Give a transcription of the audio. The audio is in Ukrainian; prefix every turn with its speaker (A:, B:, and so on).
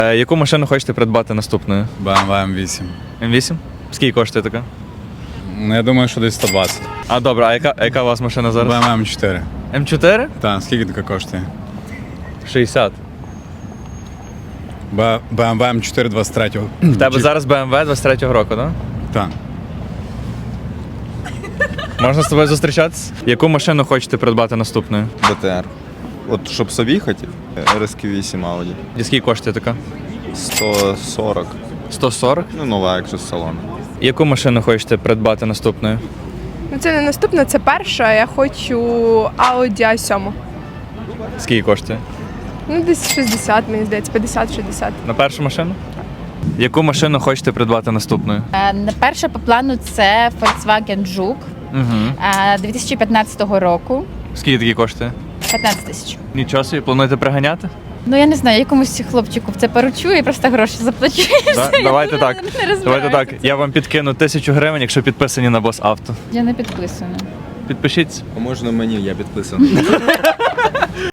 A: Яку машину хочете придбати наступною?
B: BMW M8.
A: М8? Скільки коштує така?
B: Ну, я думаю, що десь 120.
A: А добре, а яка у вас машина зараз?
B: BMW M4.
A: М4?
B: Так, скільки така коштує?
A: 60.
B: BMW M4 23-го.
A: В тебе зараз BMW 23-го року, так?
B: Так.
A: Можна з тобою зустрічатися? Яку машину хочете придбати наступною?
C: БТР. От щоб собі хотів, RSQ8 Audi.
A: І скільки коштує така?
C: 140.
A: 140?
C: Ну, нова, якщо з салону.
A: Яку машину хочете придбати наступною?
D: Ну, це не наступна, це перша. Я хочу Audi A7.
A: Скільки коштує?
D: Ну, десь 60, мені здається, 50-60.
A: На першу машину? Яку машину хочете придбати наступною?
E: Перша по плану це Volkswagen Жук
A: Угу.
E: 2015 року.
A: Скільки такий коштує?
E: 15 тисяч.
A: Нічого собі, плануєте приганяти?
E: Ну я не знаю, якомусь хлопчику це поручу і просто гроші заплачу.
A: Давайте так.
E: Не
A: Давайте
E: розбираюся.
A: так. Я вам підкину 1000 гривень, якщо підписані на Бос Авто.
E: Я не підписана.
A: Підпишіться.
C: А можна мені, я підписаний.